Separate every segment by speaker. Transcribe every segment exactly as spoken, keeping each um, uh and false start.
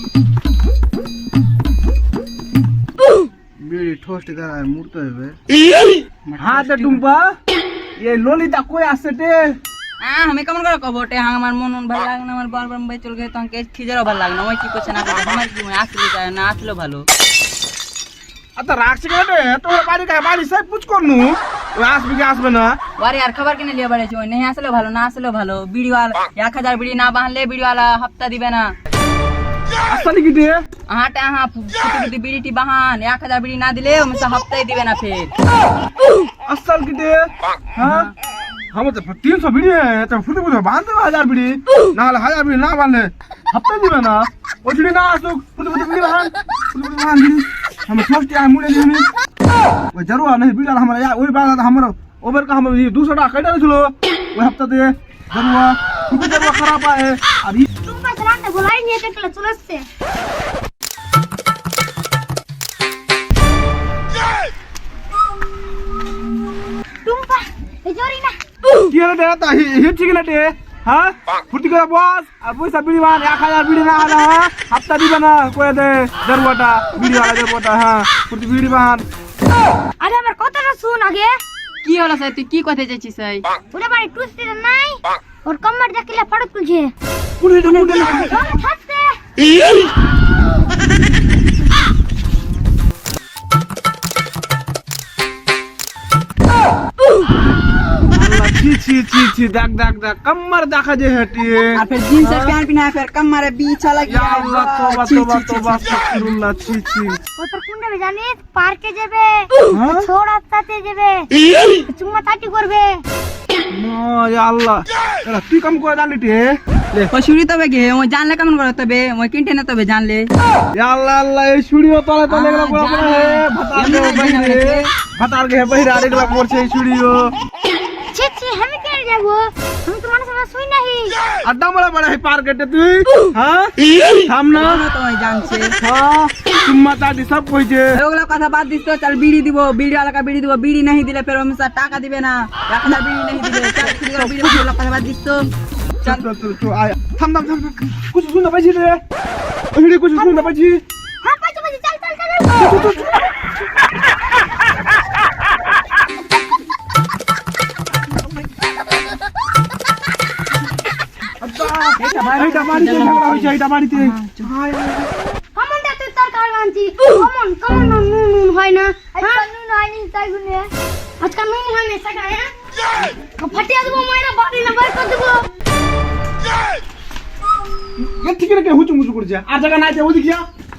Speaker 1: বিড়ি ঠোস্টে দাঁড়ায় মুড়তে হবে।
Speaker 2: হ্যাঁ তো টুম্পা এই ললিতা কই আসছে তে?
Speaker 3: হ্যাঁ আমি কেমন করে কব ওটা হ্যাঁ আমার মন ভালো লাগে না আমার বারবার ভাই চল গেছে তোমাকে খিজারও ভালো লাগে না ওই কি করছে না করছে আমার কি মনে আসলে যায় না আসলে ভালো।
Speaker 2: আচ্ছা রাখছি কেন রে? তোর বাড়ি কাছে বাড়ি সব পুছ করনু ও আসবে কি আসবে না?
Speaker 3: ওরে আর খাবার কিনে লিয়ে বাড়াইছি ওই নেই আসলে ভালো না আসলে ভালো বিড়িওয়ালা এক হাজার বিড়ি না বাঁধলে বিড়িওয়ালা হপ্তা দিবে না।
Speaker 2: আসলে কি রে?
Speaker 3: হাঁটা হ্যাঁ ফুটি ফুটি বিড়িটি বাহান এক হাজার বিড়ি না দিলে ওমে হপ্তায় দিবে না ফের।
Speaker 2: আসল কি রে? হ্যাঁ हम तो तीन सौ बीड़ी है तो फुटे फुटे बांध दे हजार बीड़ी ना हले हजार बीड़ी ना बांधे हफ्ते दिबे ना ओ बीड़ी ना आसो फुटे फुटे बीड़ी बांध फुटे फुटे बांध बीड़ी हम फर्स्ट टाइम मुड़े दी हमें वो जरूर नहीं बीड़ी हमारा यार वही बात हमारा ओवर का हम दो सौ टाका कटा चलो वो हफ्ता दे जरूर फुटे जरूर खराब है और ये
Speaker 4: तुम बस रात बुलाई नहीं है तो चलो से तुम बस जोरी ना
Speaker 2: কি হলো রে তা হিট ঠিক রে হ্যাঁ ফুটি করে বস আর পয়সা বিড়ি বান এক হাজার বিড়ি না হলে হ্যাঁ হপ্তা দিবে না কয়ে দে দেড়টা বিড়ি वाला দেড়টা হ্যাঁ ফুটি বিড়ি বান
Speaker 4: আরে আমার কথাটা শুন আগে
Speaker 3: কি হলো স্যার তুই কি কথা চাইছিস স্যার?
Speaker 4: ওরে বাড়ি টুসতে নাই ওর কম্মার দেখলে ফড়ক তুলছে
Speaker 2: কুড়ি কুড়ি
Speaker 4: হাসতে
Speaker 2: ছি ছি ছি ছি দেখ দেখ দেখ কম্মার দেখা যে হেটি
Speaker 3: আর ফের জিন্সের প্যান্ট পিনা ফের কমরে বিছা লাগি
Speaker 2: ইয়া আল্লাহ তওবা তওবা তওবা আস্তাগফিরুল্লাহ ছি ছি
Speaker 4: ও তোর কোন যাবে জানিস পার্কে যাবে
Speaker 2: হ্যাঁ
Speaker 4: ছোড়া সাথে যাবে চুম্মা তাটি করবে
Speaker 2: না ইয়া আল্লাহ এরা তুই কাম করে জানলি তে লে
Speaker 3: ওই শুনি তবে গে ওই জানলে কেমন করে তবে ওই কিনতে না তবে জানলে
Speaker 2: ইয়া আল্লাহ আল্লাহ এই শুড়িও তলে তলে গেল বড় বড় হে ভাতার গে বহিরে ভাতার গে বহিরে আরেকলা করছে এই শুড়িও
Speaker 4: ছি ছি আমি কেন যাব আমি তো মানুষ না শুই নাহি
Speaker 2: আড্ডা মারা বড় হে পার কেটে তুই হ্যাঁ থাম না
Speaker 3: তো ওই জানছে
Speaker 2: হ্যাঁ চুম্মা চাটি সব কইছে
Speaker 3: ওগুলা কথা বাদ দিস তো চল বিড়ি দিব বিড়ি वाला का বিড়ি দিব বিড়ি नहीं দিলে ফের ওমে টাকা দিবে না এক হাজার বিড়ি नहीं দিলে চল ফ্রি করে বিড়ি ওগুলা কথা বাদ দিস তো
Speaker 2: চল চল চল চল আয় থাম থাম থাম कुछ सुन ना पाजी रे ओही कुछ सुन ना पाजी
Speaker 4: হ্যাঁ পাঁচ বাজে চল চল চল
Speaker 2: এইটা বাড়িতে ঝগড়া হইছে এইটা বাড়িতে
Speaker 4: কমনটা তুই তোর কার আনছি কমন কমন নুন নুন হয় না আজকাল নুন হয়নি তাই গুনে আজকাল নুন হয় না সেটা হ্যাঁ ফাটিয়ে দেবো মাইরা বাড়ি না বাইর করে দেবো
Speaker 2: এ ঠিক রে হুচু মুচু করছে আর জায়গা নাই যে ওদিকে যা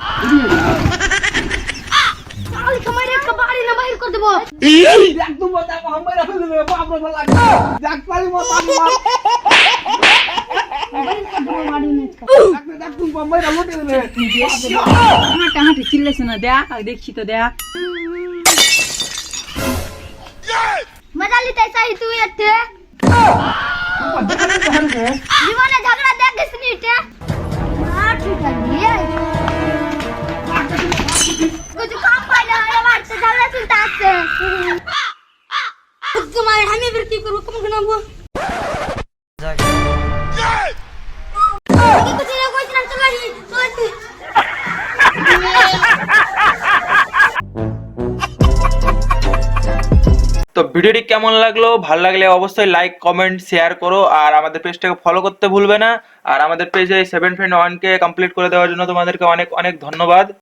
Speaker 4: তাহলে মাইরা একটা বাড়ি না বাইর করে দেবো
Speaker 2: দেখ তুমি দেখ আমরা রাখে দেবে বাপ রে বাপ লাগে দেখ পারি মত আমি মার
Speaker 4: বাইর করে দেবো বাড়ি না
Speaker 2: দেখ দেখ তুমি আমরা লোটে দেবে
Speaker 3: হাঁটা হাঁটে চিল্লাছ না দেখ দেখছি তো দেখ
Speaker 4: মজা লিতে চাই তুই এতে
Speaker 2: দেখালে তো হারবে
Speaker 4: জীবনে ঝগড়া দেখ গেছিস নি এটা আর ঠিক আছে कुछ काम पाइला है बात से झगड़ा चलता है तुम्हारे हमें फिर की करूं कम करना वो ये कुछ नहीं कोई ना चला ही
Speaker 5: তো ভিডিওটি কেমন লাগলো, ভালো লাগলে অবশ্যই লাইক কমেন্ট শেয়ার করো আর আমাদের পেজটাকে ফলো করতে ভুলবে না। আর আমাদের পেজে সেভেন ফ্রেন্ড ওয়ান কে কমপ্লিট করে দেওয়ার জন্য তোমাদেরকে অনেক অনেক ধন্যবাদ।